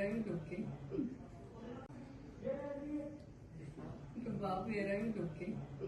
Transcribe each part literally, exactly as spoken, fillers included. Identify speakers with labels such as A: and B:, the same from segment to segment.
A: era il duque. Kebab era il duque.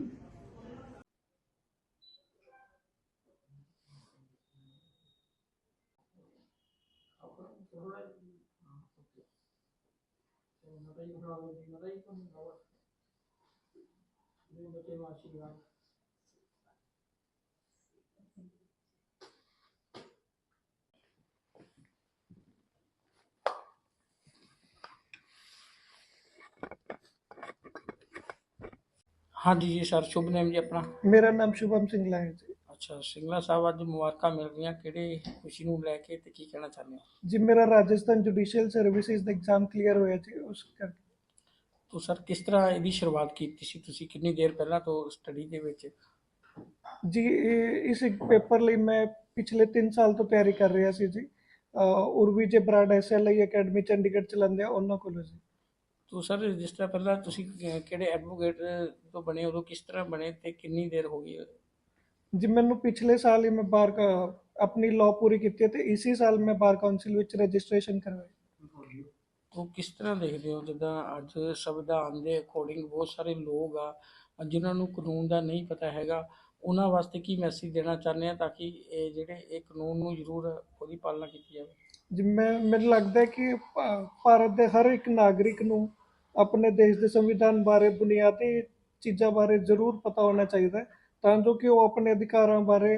B: हाँ जी जी sir, शुभ name जी अपना।
C: मेरा नाम शुभम सिंगला है जी।
B: अच्छा सिंगला साहब, ਅੱਜ ਮੁਬਾਰਕਾਂ ਮਿਲ ਰਹੀਆਂ, ਕਿਹੜੇ ਖੁਸ਼ੀ ਨੂੰ ਲੈ ਕੇ ਤੇ ਕੀ ਕਹਿਣਾ ਚਾਹੁੰਦੇ ਹੋ?
C: जी मेरा राजस्थान जुडिशियल सर्विसेज ਦਾ एग्जाम क्लियर ਹੋਇਆ ਜੀ ਉਸ ਕਰਕੇ।
B: ਤੋ ਸਰ ਕਿਸ ਤਰ੍ਹਾਂ ਇਹਦੀ ਸ਼ੁਰੂਆਤ ਕੀਤੀ ਸੀ ਤੁਸੀਂ, ਕਿੰਨੀ ਦੇਰ ਪਹਿਲਾਂ ਤੋਂ ਸਟੱਡੀ ਦੇ ਵਿੱਚ?
C: ਜੀ ਇਹ- ਇਸ ਪੇਪਰ ਲਈ ਮੈਂ ਪਿਛਲੇ ਤਿੰਨ ਸਾਲ ਤੋਂ ਤਿਆਰੀ ਕਰ ਰਿਹਾ ਸੀ ਜੀ। ਅਹ ਉਰਵੀ ਜੇ ਬਰਾੜ ਐਸਐਲਆਈ ਅਕੈਡਮੀ ਚੰਡੀਗੜ੍ਹ ਚਲਾਉਂਦੇ ਆ ਉਹਨਾਂ ਕੋਲੋਂ ਜੀ।
B: ਤੋ ਸਰ ਜਿਸ ਤਰ੍ਹਾਂ ਪਹਿਲਾਂ ਤੁਸੀਂ ਕਿ- ਕਿਹੜੇ ਐਡਵੋਕੇਟ ਤੋਂ ਬਣੇ, ਉਦੋਂ ਕਿਸ ਤਰ੍ਹਾਂ ਬਣੇ ਤੇ ਕਿੰਨੀ ਦੇਰ ਹੋ ਗਈ?
C: ਜੀ ਮੈਨੂੰ ਪਿਛਲੇ ਸਾਲ ਹੀ ਮੈਂ ਬਾਰ ਕਾ ਆਪਣੀ ਲਾਅ ਪੂਰੀ ਕੀਤੀ ਹੈ ਤੇ ਇਸੀ ਸਾਲ ਮੈਂ ਬਾਰ ਕਾਉਂਸਲ ਵਿੱਚ ਰਜਿਸਟ੍ਰੇਸ਼ਨ ਕਰਵਾਈ।
B: ਉਹ ਕਿਸ ਤਰ੍ਹਾਂ ਦੇਖਦੇ ਹੋ, ਜਿੱਦਾਂ ਅੱਜ ਸੰਵਿਧਾਨ ਦੇ ਅਕੋਰਡਿੰਗ ਬਹੁਤ ਸਾਰੇ ਲੋਕ ਆ ਜਿਨ੍ਹਾਂ ਨੂੰ ਕਾਨੂੰਨ ਦਾ ਨਹੀਂ ਪਤਾ ਹੈਗਾ, ਉਹਨਾਂ ਵਾਸਤੇ ਕੀ ਮੈਸੇਜ ਦੇਣਾ ਚਾਹੁੰਦੇ ਆ ਤਾਂ ਕਿ ਇਹ ਜਿਹੜੇ ਇਹ ਕਾਨੂੰਨ ਨੂੰ ਜ਼ਰੂਰ ਉਹਦੀ ਪਾਲਣਾ ਕੀਤੀ ਜਾਵੇ?
C: ਜੀ ਮੈਂ ਮੈਨੂੰ ਲੱਗਦਾ ਹੈ ਕਿ ਭਾ- ਭਾਰਤ ਦੇ ਹਰ ਇੱਕ ਨਾਗਰਿਕ ਨੂੰ ਆਪਣੇ ਦੇਸ਼ ਦੇ ਸੰਵਿਧਾਨ ਬਾਰੇ ਬੁਨਿਆਦੀ ਚੀਜ਼ਾਂ ਬਾਰੇ ਜ਼ਰੂਰ ਪਤਾ ਹੋਣਾ ਚਾਹੀਦਾ ਹੈ ਤਾਂ ਜੋ ਕਿ ਉਹ ਆਪਣੇ ਅਧਿਕਾਰਾਂ ਬਾਰੇ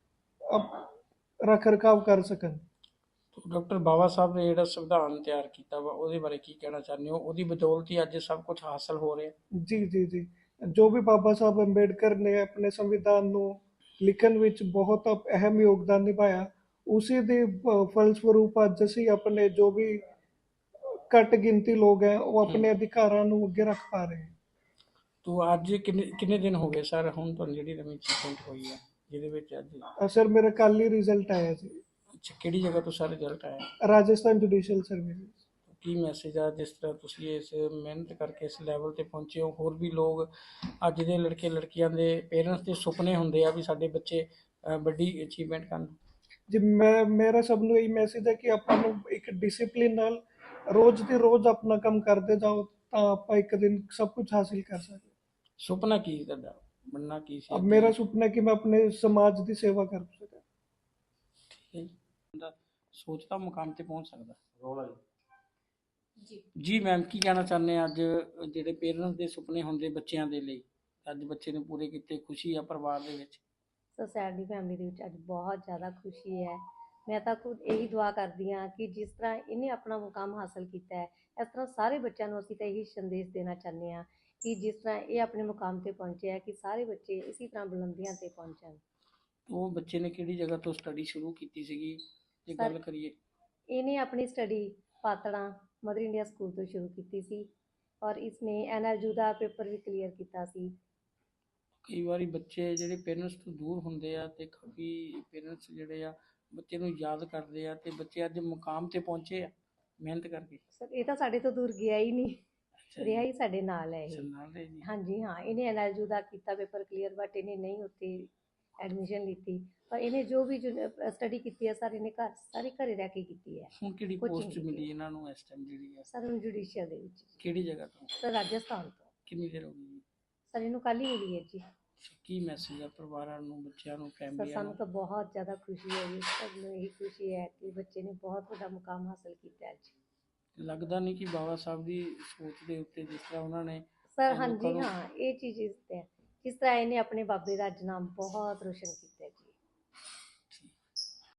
C: ਅਪ- ਰੱਖ ਰਖਾਵ ਕਰ ਸਕਣ।
B: ਡਾਕਟਰ ਬਾਬਾ ਸਾਹਿਬ ਨੇ ਜਿਹੜਾ ਸੰਵਿਧਾਨ ਤਿਆਰ ਕੀਤਾ ਵਾ ਉਹਦੇ ਬਾਰੇ ਕੀ ਕਹਿਣਾ ਚਾਹੁੰਦੇ ਹੋ? ਉਹਦੀ ਬਦੌਲਤ ਹੀ ਅੱਜ ਸਭ ਕੁਝ ਹਾਸਲ ਹੋ ਰਿਹਾ।
C: ਜੀ ਜੀ ਜੀ ਜੋ ਵੀ ਬਾਬਾ ਸਾਹਿਬ ਅੰਬੇਡਕਰ ਨੇ ਆਪਣੇ ਸੰਵਿਧਾਨ ਨੂੰ ਲਿਖਣ ਵਿੱਚ ਬਹੁਤ ਅਹਿਮ ਯੋਗਦਾਨ ਨਿਭਾਇਆ, ਉਸੇ ਦੇ ਅ, ਫਲਸਵਰੂਪ ਅੱਜ ਅਸੀਂ ਆਪਣੇ ਜੋ ਵੀ ਘੱਟ ਗਿਣਤੀ ਲੋਕ ਹੈ ਉਹ ਆਪਣੇ ਅਧਿਕਾਰਾਂ ਨੂੰ ਅੱਗੇ ਰੱਖ ਪਾ ਰਹੇ ਹੈ।
B: ਤੋ ਅੱਜ ਕਿੰਨੇ ਕਿੰਨੇ ਦਿਨ ਹੋ ਗਏ ਸਰ ਹੁਣ ਤੁਹਾਨੂੰ ਜਿਹੜੀ ਨਵੀਂ ਅਚੀਵਮੈਂਟ ਹੋਈ ਹੈ ਜਿਹਦੇ ਵਿੱਚ ਅੱਜ?
C: ਅ, ਸਰ ਮੇਰਾ ਕੱਲ ਹੀ ਰਿਜ਼ਲਟ ਆਇਆ ਜੀ,
B: ਅੱਛਾ, ਕਿਹੜੀ ਜਗ੍ਹਾ ਤੋਂ ਸਰ ਰਿਜ਼ਲਟ ਆਇਆ?
C: Rajasthan judicial service.
B: ਕੀ ਮੈਸੇਜ ਆ, ਜਿਸ ਤਰ੍ਹਾਂ ਤੁਸੀਂ ਇਸ ਮਿਹਨਤ ਕਰਕੇ ਇਸ ਲੈਵਲ ਤੇ ਪਹੁੰਚੇ ਹੋ, ਹੋਰ ਵੀ ਲੋਕ ਅੱਜ ਦੇ ਲੜਕੇ ਲੜਕੀਆਂ ਦੇ ਪੇਰੈਂਟਸ ਦੇ ਸੁਪਨੇ ਹੁੰਦੇ ਆ ਵੀ ਸਾਡੇ ਬੱਚੇ ਅ, ਵੱਡੀ ਅਚੀਵਮੈਂਟ ਕਰਨ?
C: ਜੀ ਮੈਂ ਮੇਰਾ ਸਭ ਨੂੰ ਇਹ ਮੈਸੇਜ ਹੈ ਕਿ ਆਪਾਂ ਨੂੰ ਇੱਕ ਡਿਸਿਪਲਿਨ ਨਾਲ ਰੋਜ਼ ਦੀ ਰੋਜ਼ ਆਪਣਾ ਕੰਮ ਕਰਦੇ ਜਾਓ ਤਾਂ ਆਪਾਂ ਇੱਕ ਦਿਨ ਸਭ ਕੁਝ ਹਾਸਿਲ ਕਰ ਸਕਦੇ।
B: ਸੁਪਨਾ ਕੀ ਸੀ ਤੁਹਾਡਾ, ਬਣਨਾ ਕੀ ਸੀ
C: अब
B: ਅੱਗੇ?
C: मेरा सुपना है कि मैं अपने समाज की सेवा कर सका।
B: ਠੀਕ ਹੈ ਜੀ, ਬੰਦਾ ਸੋਚਦਾ ਮੁਕਾਮ ਤੇ ਪਹੁੰਚ ਸਕਦਾ। ਰੋਲਾ
A: ਜੀ
B: ਜੀ ਮੈਮ, ਕੀ ਕਹਿਣਾ ਚਾਹੁੰਦੇ ਆ ਅੱਜ ਜਿਹੜੇ ਪੇਰੈਂਟਸ ਦੇ ਸੁਪਨੇ ਹੁੰਦੇ ਬੱਚਿਆਂ ਦੇ ਲਈ, ਅੱਜ ਬੱਚੇ ਨੇ ਪੂਰੇ ਕੀਤੇ, ਖੁਸ਼ੀ ਆ ਪਰਿਵਾਰ ਦੇ ਵਿੱਚ?
D: ਸੋ ਸਾਡੀ ਫੈਮਿਲੀ ਦੇ ਵਿੱਚ ਅੱਜ ਬਹੁਤ ਜ਼ਿਆਦਾ ਖੁਸ਼ੀ ਹੈ। ਮੈਂ ਤਾਂ ਖੁਦ ਇਹੀ ਦੁਆ ਕਰਦੀ ਹਾਂ ਕਿ ਜਿਸ ਤਰ੍ਹਾਂ ਇਹਨੇ ਆਪਣਾ ਮੁਕਾਮ ਹਾਸਲ ਕੀਤਾ ਹੈ, ਇਸ ਤਰ੍ਹਾਂ ਸਾਰੇ ਬੱਚਿਆਂ ਨੂੰ ਅਸੀਂ ਤਾਂ ਇਹੀ ਸੰਦੇਸ਼ ਦੇਣਾ ਚਾਹੁੰਦੇ ਹਾਂ ਕਿ ਜਿਸ ਤਰ੍ਹਾਂ ਇਹ ਆਪਣੇ ਮੁਕਾਮ 'ਤੇ ਪਹੁੰਚੇ ਹੈ ਕਿ ਸਾਰੇ ਬੱਚੇ ਇਸੇ ਤਰ੍ਹਾਂ ਬੁਲੰਦੀਆਂ 'ਤੇ ਪਹੁੰਚਣ।
B: ਉਹ ਬੱਚੇ ਨੇ ਕਿਹੜੀ ਜਗ੍ਹਾ ਤੋਂ ਸਟੱਡੀ ਸ਼ੁਰੂ ਕੀਤੀ ਸੀਗੀ ਜੇ
D: ਸਰ
B: ਗੱਲ ਕਰੀਏ?
D: ਇਹਨੇ ਆਪਣੀ study Patran mother India school ਤੋਂ ਸ਼ੁਰੂ ਕੀਤੀ ਸੀ ਔਰ ਇਸਨੇ ਐਨ ਆਰ ਯੂ ਦਾ ਪੇਪਰ ਵੀ ਕਲੀਅਰ ਕੀਤਾ ਸੀ।
B: ਕਈ ਵਾਰੀ ਬੱਚੇ ਜਿਹੜੇ ਪੇਰੈਂਟਸ ਤੋਂ ਦੂਰ ਹੁੰਦੇ ਆ ਤੇ ਕਾਫੀ ਪੇਰੈਂਟਸ ਜਿਹੜੇ ਆ ਬੱਚੇ ਨੂੰ ਯਾਦ ਕਰਦੇ ਆ ਤੇ ਬੱਚੇ ਅੱਜ ਮੁਕਾਮ ਤੇ ਪਹੁੰਚੇ ਆ ਮਿਹਨਤ ਕਰਕੇ।
D: ਸਰ ਇਹ ਤਾਂ ਸਾਡੇ ਤੋਂ ਦੂਰ ਗਿਆ ਹੀ ਨਹੀਂ,
B: ਅੱਛਾ
D: ਰਿਹਾ
B: ਜੀ,
D: ਹੀ ਸਾਡੇ ਨਾਲ ਹੈ
B: ਅੱਛਾ
D: ਇਹ।
B: ਨਾਲ ਦੇ ਜੀ।
D: ਹਾਂਜੀ ਹਾਂ, ਇਹਨੇ ਐਨ ਆਰ ਯੂ ਦਾ ਕੀਤਾ ਪੇਪਰ ਕਲੀਅਰ, ਬਟ ਇਹਨੇ ਨਹੀਂ ਉੱਥੇ ਐਡਮਿਸ਼ਨ ਲਿੱਤੀ। ਪਰ ਇਹਨੇ ਜੋ ਵੀ ਸਟੱਡੀ ਕੀਤੀ ਹੈ ਸਰ ਇਹਨੇ ਘਰ ਸਾਰੀ ਘਰੇ ਰਹਿ ਕੇ ਕੀਤੀ ਹੈ।
B: ਹੁਣ ਕਿਹੜੀ
D: ਕੋਚਿੰਗ
B: ਪੋਸਟ
D: ਕੀਤੀ
B: ਮਿਲੀ
D: ਹੈ
B: ਇਹਨਾਂ ਨੂੰ ਇਸ ਟਾਈਮ ਜਿਹੜੀ ਆ?
D: ਸਰ ਹੁਣ ਜੁਡੀਸ਼ੀਅਲ ਦੇ ਵਿੱਚ।
B: ਕਿਹੜੀ ਜਗ੍ਹਾ ਤੋਂ?
D: ਸਰ ਰਾਜਸਥਾਨ ਤੋਂ।
B: ਕਿੰਨੀ ਦੇਰ ਹੋ ਗਈ ਜੀ?
D: ਸਰ ਇਹਨੂੰ ਕੱਲ੍ਹ ਹੀ ਮਿਲੀ ਹੈ ਜੀ।
B: ਅੱਛਾ, ਕੀ ਮੈਸੇਜ ਆ ਪਰਿਵਾਰਾਂ ਨੂੰ, ਬੱਚਿਆਂ ਨੂੰ,
D: ਸਰ
B: ਫੈਮਲੀਆਂ
D: ਸਾਨੂੰ
B: ਨੂੰ?
D: ਤਾਂ ਬਹੁਤ ਜ਼ਿਆਦਾ ਖੁਸ਼ੀ ਹੈ ਜੀ, ਸਭ ਨੂੰ ਇਹੀ ਖੁਸ਼ੀ ਹੈ ਕਿ ਬੱਚੇ ਨੇ ਬਹੁਤ ਵੱਡਾ ਮੁਕਾਮ ਹਾਸਲ ਕੀਤਾ ਅੱਜ।
B: ਲੱਗਦਾ ਨਹੀਂ ਕਿ ਬਾਬਾ ਸਾਹਿਬ ਦੀ ਸੋਚ ਦੇ ਉੱਤੇ ਜਿਸ ਤਰ੍ਹਾਂ ਉਹਨਾਂ ਨੇ
D: ਸਰ
B: ਲੋਕਾਂ
D: ਹਾਂਜੀ
B: ਨੂੰ
D: ਹਾਂ, ਇਹ ਚੀਜ਼ ਇਸ ਤੇ ਹੈ ਜਿਸ ਤਰ੍ਹਾਂ ਇਹਨੇ ਆਪਣੇ ਬਾਬੇ ਦਾ ਅੱਜ ਨਾਮ ਬਹੁਤ ਰੋਸ਼ਨ ਕੀਤਾ ਹੈ।